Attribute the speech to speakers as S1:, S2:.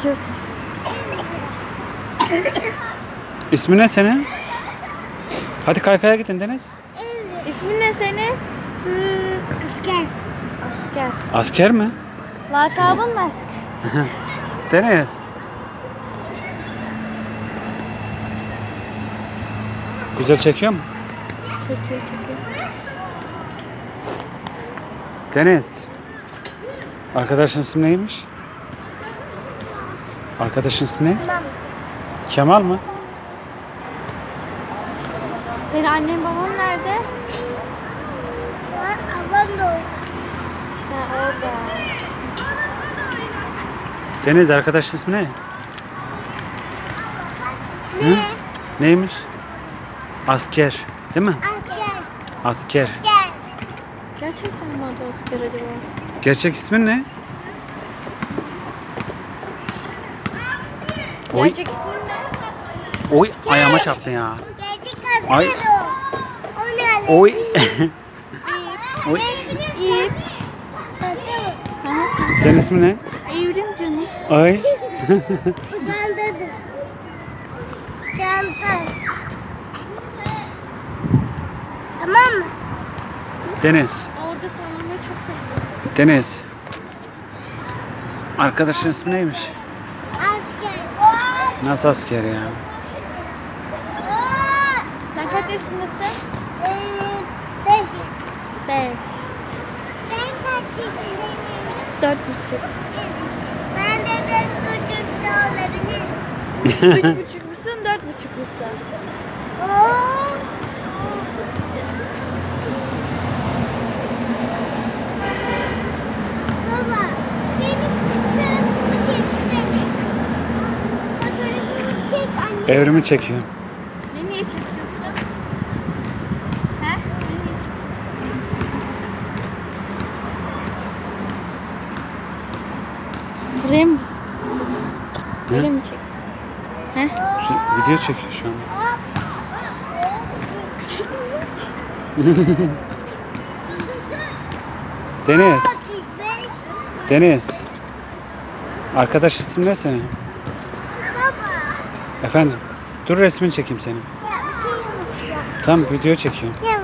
S1: Süt.
S2: İsmin ne senin? Hadi kaykaya gidin Deniz.
S1: İsmin ne senin?
S3: Asker.
S1: Asker.
S2: Asker mi?
S1: Lakabın mı asker?
S2: Deniz. Güzel çekiyor mu?
S1: Çekiyor.
S2: Deniz. Arkadaşın ismi neymiş? Arkadaşın ismi ne?
S3: Tamam.
S2: Kemal mı?
S1: Senin annen baban nerede?
S3: Ablam da orada.
S1: Ha, orada.
S2: Deniz, arkadaşın ismi ne? Hı? Neymiş? Asker. Değil mi?
S3: Asker.
S2: Asker.
S3: Gel.
S1: Gerçekten mi adı asker acaba?
S2: Gerçek ismin ne? Oy,
S1: Gerçek ismin ne?
S2: oy ayağıma çarptın ya.
S3: Gerçek asker
S2: Ay.
S3: o. O ne?
S2: Oy. Oy.
S1: İyip.
S3: Çanta mı?
S2: Senin ismin ne?
S1: Evrim canım.
S2: Ay.
S3: Bu çantadır. Çanta. Tamam mı?
S2: Deniz.
S1: Orada sallanmayı çok seviyorum.
S2: Deniz. Arkadaşın ismi neymiş?
S3: Asker.
S2: Nasıl asker ya?
S1: Sen kaç yaşındasın?
S3: 5 yaşında.
S1: 5.
S3: Ben kaç yaşındayım?
S1: 4,5.
S3: Ben de 4,5'da olabilir.
S1: 3,5 musun? 4,5 musun?
S3: Oo. Baba, benim fotoğrafımı çeksene. Fotoğrafımı çek anne.
S2: Evrimi çekiyorum.
S1: Ne niye çekiyorsun? He? Ne niye çekiyorsun? Buraya mı bas? Böyle mi çek? He?
S2: Video çekiyor şu an.
S3: Hop.
S2: Deniz.
S3: 35.
S2: Deniz. Arkadaş ismin ne senin?
S3: Baba.
S2: Efendim. Dur resmini çekeyim senin.
S3: Ya bir şey yapacağım.
S2: Tamam, video çekiyorum.
S3: Ya